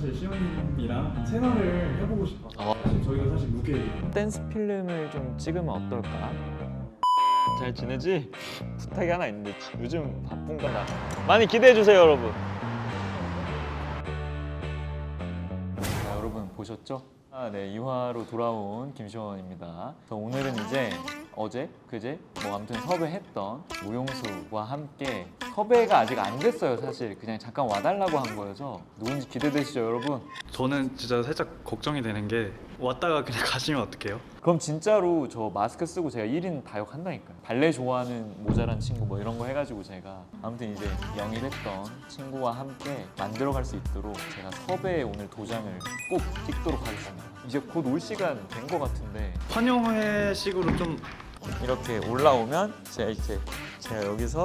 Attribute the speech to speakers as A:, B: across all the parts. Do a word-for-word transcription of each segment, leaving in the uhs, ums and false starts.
A: 사실 시온님이랑 채널을 해보고 싶어.
B: 어.
A: 사실 저희가 사실 무게
B: 댄스 필름을 좀 찍으면 어떨까? 잘 지내지? 부탁이 하나 있는데 요즘 바쁜가 나. 많이 기대해 주세요, 여러분. 자, 여러분 보셨죠? 아, 네, 이 화로 돌아온 김시원입니다. 그래서 오늘은 이제 어제, 그제 뭐 아무튼 섭외했던 무용수와 함께 섭외가 아직 안 됐어요, 사실. 그냥 잠깐 와달라고 한 거여서 누군지 기대되시죠, 여러분?
A: 저는 진짜 살짝 걱정이 되는 게 왔다가 그냥 가시면 어떡해요?
B: 그럼 진짜로 저 마스크 쓰고 제가 일 인 다역한다니까요. 발레 좋아하는 모자란 친구 뭐 이런 거 해가지고 제가 아무튼 이제 영입했던 친구와 함께 만들어갈 수 있도록 제가 섭외에 오늘 도장을 꼭 찍도록 하겠습니다. 이제 곧 올 시간 된 거 같은데
A: 환영회식으로 좀
B: 이렇게 올라오면 제가 이렇게 제가 여기서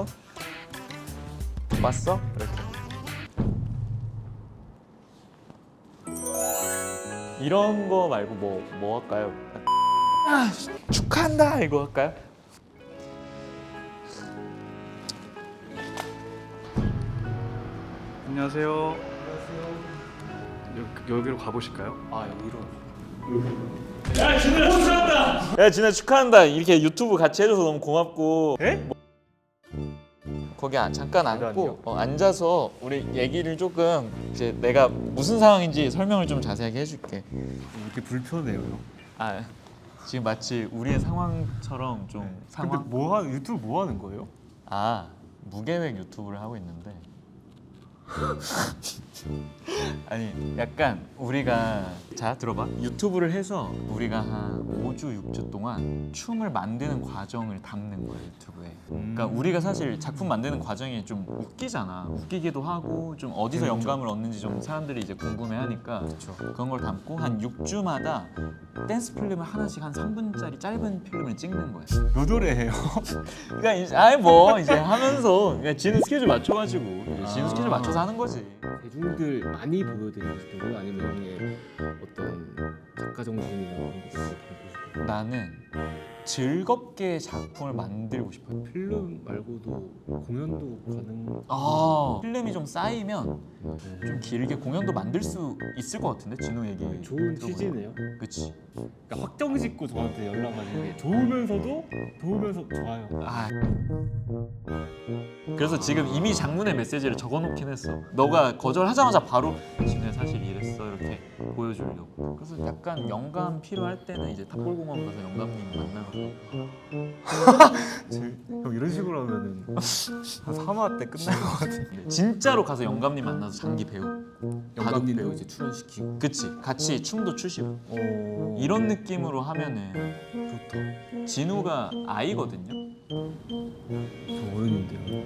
B: 왔어? 이렇게 이런 거 말고 뭐, 뭐 할까요? 아, 축하한다 이거 할까요?
A: 안녕하세요. 여, 여기로 가보실까요?
B: 아 여기로. 야 진우야 축하한다. 야 진우야 축하한다. 이렇게 유튜브 같이 해줘서 너무 고맙고. 에? 뭐... 거기 아, 잠깐 앉고 어, 앉아서 우리 얘기를 조금 이제 내가 무슨 상황인지 설명을 좀 자세하게 해줄게.
C: 이렇게 불편해요.
B: 아 지금 마치 우리의 상황처럼 좀
C: 근데
B: 상황.
C: 뭐 하, 유튜브 뭐 하는 거예요?
B: 아 무계획 유튜브를 하고 있는데. 아니 약간 우리가 자 들어봐 유튜브를 해서 우리가 한 오 주 육 주 동안 춤을 만드는 과정을 담는 거야 유튜브에. 그러니까 우리가 사실 작품 만드는 과정이 좀 웃기잖아. 웃기기도 하고 좀 어디서 영감을 얻는지 좀 사람들이 이제 궁금해하니까 그런 걸 담고 한 육 주마다 댄스 필름을 하나씩 한 삼 분짜리 짧은 필름을 찍는 거야.
C: 몇 월에 해요?
B: 그러니까 이제 아예 뭐 이제 하면서 그냥 지는 스케줄 맞춰가지고 지는 스케줄 맞춰서 하는 거지.
D: 대중들 많이 보여드리고 싶은 아니면 형의 어떤 작가 정신이나 그런 것들을 보고 싶은
B: 나는 즐겁게 작품을 만들고 싶어요.
D: 필름 말고도 공연도 가능.
B: 아 필름이 좀 쌓이면 좀 길게 공연도 만들 수 있을 것 같은데 진우 얘기
D: 좋은
B: 들어보니까.
D: 취지네요.
B: 그치.
D: 그러니까 확정 짓고 저한테 연락하는 게 좋으면서도 좋으면서 좋아요.
B: 아 그래서 지금 이미 장문의 메시지를 적어놓긴 했어. 너가 거절하자마자 바로 진우야 사실 이랬어 이렇게 보여주려고. 그래서 약간 영감 필요할 때는 이제 탑골공원 가서 영감님 만나고.
C: 형 이런 식으로 하면은 한 삼 화 때 끝날 것 같은데.
B: 진짜로 가서 영감님 만나서 장기 배우.
D: 영감님도
B: 배우.
D: 이제 출연시키고.
B: 그치 같이 춤도 추시고
D: 어...
B: 이런 느낌으로 하면은 좋다. 진우가 아이거든요.
D: 저 어른인데요.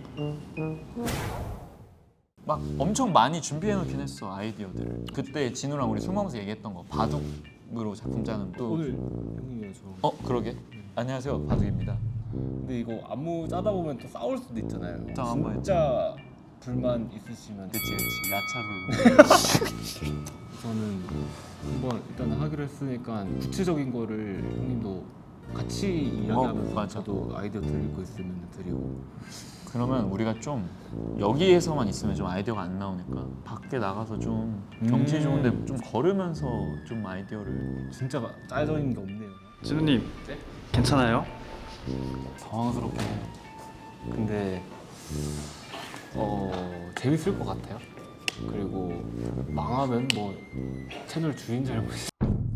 B: 막 엄청 많이 준비해 놓긴 했어 아이디어들을. 그때 진우랑 우리 술 먹으면서 얘기했던 거 바둑으로 작품 짜는 또
D: 오늘 형이랑 저.
B: 어 그러게. 안녕하세요 바둑입니다.
D: 근데 이거 안무 짜다 보면 또 싸울 수도 있잖아요.
B: 또 한번
D: 진짜 불만 있으시면
B: 그치 그치 야차로.
D: 저는 한번 일단 하기로 했으니까 구체적인 거를 형님도 같이 이야기하면서
B: 맞아.
D: 저도 아이디어 드릴 거 있으면 드리고.
B: 그러면 우리가 좀 여기에서만 있으면 좀 아이디어가 안 나오니까 밖에 나가서 좀 경치 좋은데 좀 걸으면서 좀 아이디어를.
D: 진짜 짜여져 있는 게 없네요.
A: 진우님
D: 네?
A: 괜찮아요?
D: 당황스럽게. 근데 어 재밌을 것 같아요. 그리고 망하면 뭐 채널 주인 잘못이.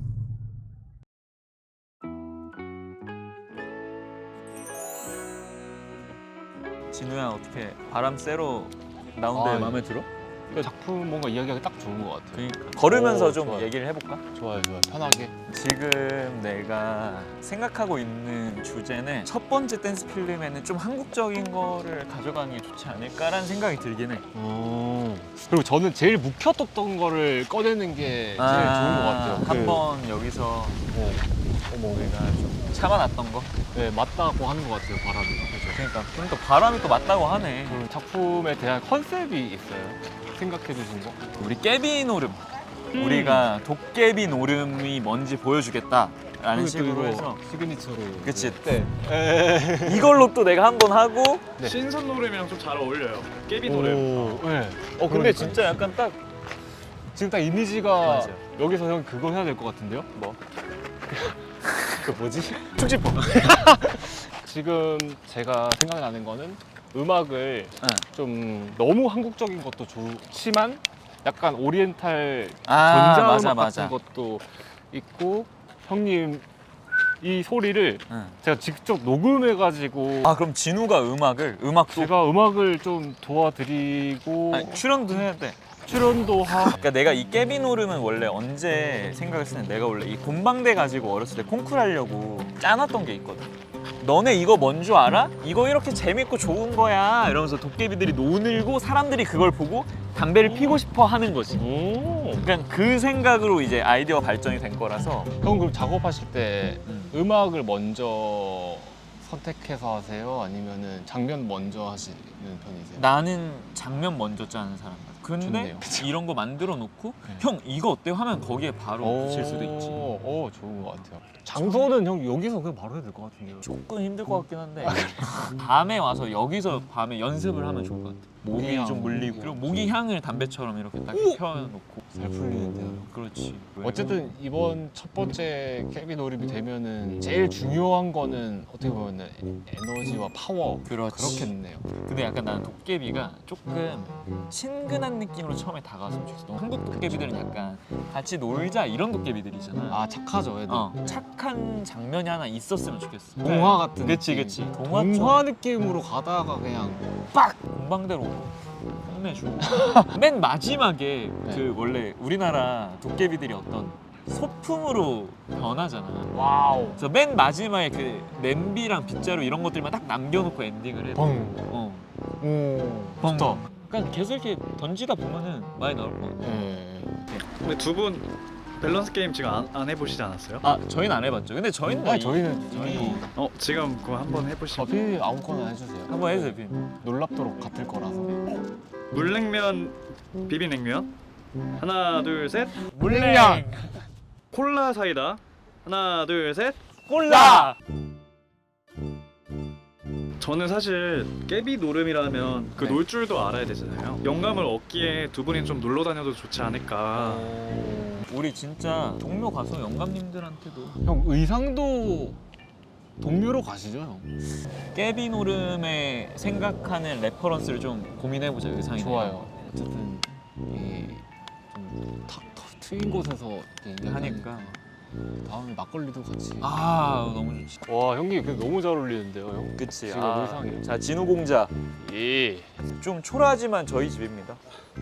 B: 진우야 어떻게 바람 쐬러 나온데
D: 아,
B: 마음에 들어?
D: 작품 뭔가 이야기하기 딱 좋은 것 같아요.
B: 그러니까 걸으면서
D: 오,
B: 좀
D: 좋아요.
B: 얘기를 해볼까?
D: 좋아요, 좋아요. 편하게.
B: 지금 내가 생각하고 있는 주제는 첫 번째 댄스 필름에는 좀 한국적인 거를 가져가는 게 좋지 않을까라는 생각이 들긴 해.
D: 어. 그리고 저는 제일 묵혀뒀던 거를 꺼내는 게 제일 좋은 것 같아요. 그-
B: 한번 여기서
D: 어. 어머,
B: 우리가 좀 참아놨던 거.
D: 네, 맞다고 하는 것 같아요, 바람이.
B: 그러니까 그러니까 바람이 또 맞다고 하네.
D: 그 작품에 대한 컨셉이 있어요. 생각해 주신 거?
B: 우리 깨비 노름. 우리가 도깨비 노름이 뭔지 보여주겠다라는 식으로 해서.
D: 시그니처로.
B: 그치.
D: 네.
B: 이걸로 또 내가 한 번 하고.
D: 네.
A: 신선 노래랑 좀 잘 어울려요. 깨비
D: 오,
A: 노래.
D: 네.
B: 어 근데
D: 그러니까요.
B: 진짜 약간 딱
D: 지금 딱 이미지가
B: 맞아요.
D: 여기서 형 그거 해야 될 것 같은데요?
B: 뭐?
D: 그 뭐지? 축지법. 지금 제가 생각나는 거는 음악을
B: 응.
D: 좀 너무 한국적인 것도 좋지만 약간 오리엔탈
B: 아
D: 전자음악
B: 맞아
D: 같은
B: 맞아.
D: 것도 있고 형님 이 소리를
B: 응.
D: 제가 직접 녹음해가지고
B: 아 그럼 진우가 음악을 음악도
D: 제가 음악을 좀 도와드리고
B: 아니, 출연도 해야 돼.
D: 출연도 하고
B: 그러니까 내가 이 깨비노름은 원래 언제 생각했을 때 내가 원래 이 곰방대 가지고 어렸을 때 콩쿨 하려고 짜놨던 게 있거든. 너네 이거 뭔 줄 알아? 이거 이렇게 재밌고 좋은 거야 이러면서 도깨비들이 노늘고 사람들이 그걸 보고 담배를 피고 싶어 하는 거지.
D: 오.
B: 그러니까 그 생각으로 이제 아이디어 발전이 된 거라서.
D: 형 그럼 작업하실 때
B: 음.
D: 음악을 먼저 선택해서 하세요? 아니면은 장면 먼저 하시는 편이세요?
B: 나는 장면 먼저 짜는 사람 같아. 근데
D: 좋네요.
B: 이런 거 만들어 놓고
D: 네.
B: 형 이거 어때요? 하면 거기에 바로 붙일 수도 있지.
D: 오, 좋은 것 같아요. 장소는 형 여기서 그냥 바로 해야 될 것 같은데요.
B: 조금 힘들 것 같긴 한데 밤에 와서 여기서 밤에 연습을 하면 좋을 것 같아. 모기
D: 모기향.
B: 좀 물리고 그리고 모기 향을 담배처럼 이렇게 딱 펴놓고.
D: 잘 풀리는데요.
B: 그렇지.
D: 어쨌든 이번 첫 번째 깨비 노립이 되면은 제일 중요한 거는 어떻게 보면은 에너지와 파워
B: 그렇지.
D: 그렇겠네요.
B: 근데 약간 나는 도깨비가 조금 친근한 느낌으로 처음에 다가왔으면 좋겠어. 한국 도깨비들은 약간 같이 놀자 이런 도깨비들이잖아.
D: 아 착하죠, 애들.
B: 어, 착한 장면이 하나 있었으면 좋겠어.
D: 동화 같은
B: 그치
D: 느낌.
B: 그치.
D: 동화,
B: 동화
D: 느낌으로 가다가 그냥
B: 빡 공방대로 혼내주고. 맨 마지막에
D: 네.
B: 그 원래 우리나라 도깨비들이 어떤 소품으로 변하잖아.
D: 와우.
B: 그래서 맨 마지막에 그 냄비랑 빗자루 이런 것들만 딱 남겨놓고 엔딩을 해.
D: 뻥.
B: 어.
D: 오.
B: 뻥.
D: 좋다.
B: 그러니까 계속 이렇게 던지다 보면은 많이 나올 것 같아.
D: 예.
A: 근데 두 분 밸런스 게임 지금 안, 안 해보시지 않았어요?
B: 아 저희는 안 해봤죠. 근데 저희는 뭐
D: 아니
B: 이-
D: 저희는
B: 저희
D: 이미
A: 어 지금 그거 한번 해보시면
D: 어피 아무거나 해주세요.
B: 한번 해주세요. 빈.
D: 놀랍도록 같을 거라서.
A: 물냉면 비빔냉면 하나 둘 셋
B: 물냉면
A: 콜라 사이다 하나 둘 셋
B: 콜라.
A: 저는 사실 깨비 노름이라면 그
B: 네.
A: 놀 줄도 알아야 되잖아요. 영감을 얻기에 두 분이 좀 놀러 다녀도 좋지 않을까.
B: 우리 진짜 동묘 가서 영감님들한테도
D: 형 의상도 동묘로 가시죠, 형?
B: 깨비 노름에 생각하는 레퍼런스를 좀 고민해보자. 의상이
D: 좋아요. 어쨌든 이좀 트인 곳에서 이렇게
B: 하니까.
D: 다음에 막걸리도 같이.
B: 아 너무 좋지.
D: 와 형님 그 너무 잘 어울리는데요, 형.
B: 그치.
D: 지금
B: 아,
D: 의상이.
B: 자 진우 공자
D: 예.
B: 좀 초라하지만 저희 집입니다.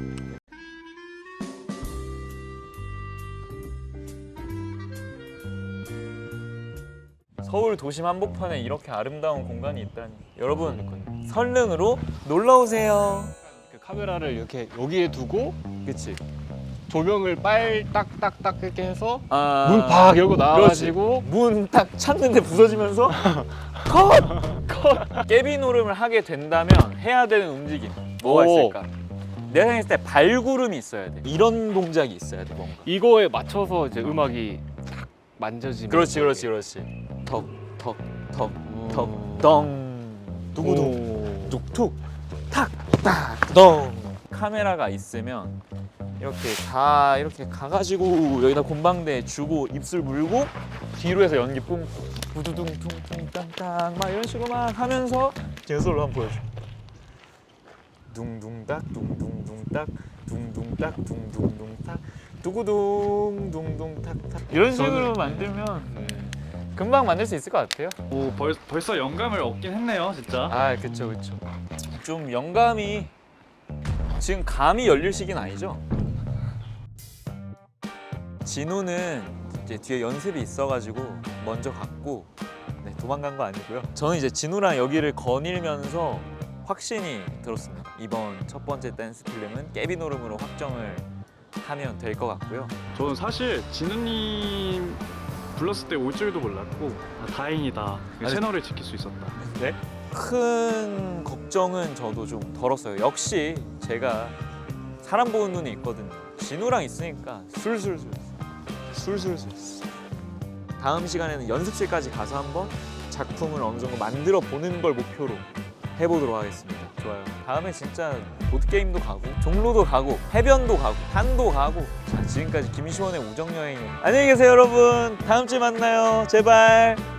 B: 서울 도심 한복판에 이렇게 아름다운 공간이 있다니. 여러분 설릉으로 놀러 오세요.
D: 그 카메라를 이렇게 여기에 두고
B: 그치.
D: 조명을 빨 딱딱딱 이렇게 해서
B: 아,
D: 문 팍 열고 나와가지고
B: 문 딱 찾는데 부서지면서 컷! 컷! 깨비 노름을 하게 된다면 해야 되는 움직임 뭐가
D: 오.
B: 있을까? 내가 생각했을 때 발구름이 있어야 돼. 이런 동작이 있어야 돼 뭔가.
D: 이거에 맞춰서 이제 음악이 탁 만져지면.
B: 그렇지 그렇지 그렇지. 턱 턱 턱 턱 덩 두구둥 툭툭 탁탁덩. 카메라가 있으면 이렇게 다 이렇게 가가지고 여기다 곰방대 주고 입술 물고 뒤로 해서 연기 뿜고 부두둥 퉁퉁 땅땅 막 이런 식으로 막 하면서 제솔로 한번 보여줘. 둥둥딱 둥둥둥딱 둥둥딱 둥둥둥탁 두구둥 둥둥탁탁 이런 식으로 만들면
D: 네.
B: 금방 만들 수 있을 것 같아요.
A: 오 벌, 벌써 영감을 얻긴 했네요 진짜.
B: 아 그쵸 그쵸. 좀 영감이 지금 감이 열릴 시기는 아니죠? 진우는 이제 뒤에 연습이 있어가지고 먼저 갔고 네, 도망간 거 아니고요. 저는 이제 진우랑 여기를 거닐면서 확신이 들었습니다. 이번 첫 번째 댄스 필름은 깨비 노름으로 확정을 하면 될 것 같고요.
A: 저는 사실 진우님 불렀을 때 올 줄도 몰랐고 아, 다행이다.
B: 아니,
A: 채널을 지킬 수 있었다.
B: 네? 큰 걱정은 저도 좀 덜었어요. 역시 제가 사람 보는 눈이 있거든요. 진우랑 있으니까 술술술 술술술. 다음 시간에는 연습실까지 가서 한번 작품을 어느 정도 만들어 보는 걸 목표로 해보도록 하겠습니다. 좋아요. 다음에 진짜 보드게임도 가고 종로도 가고 해변도 가고 산도 가고. 자, 지금까지 김시원의 우정여행. 안녕히 계세요 여러분. 다음 주에 만나요. 제발.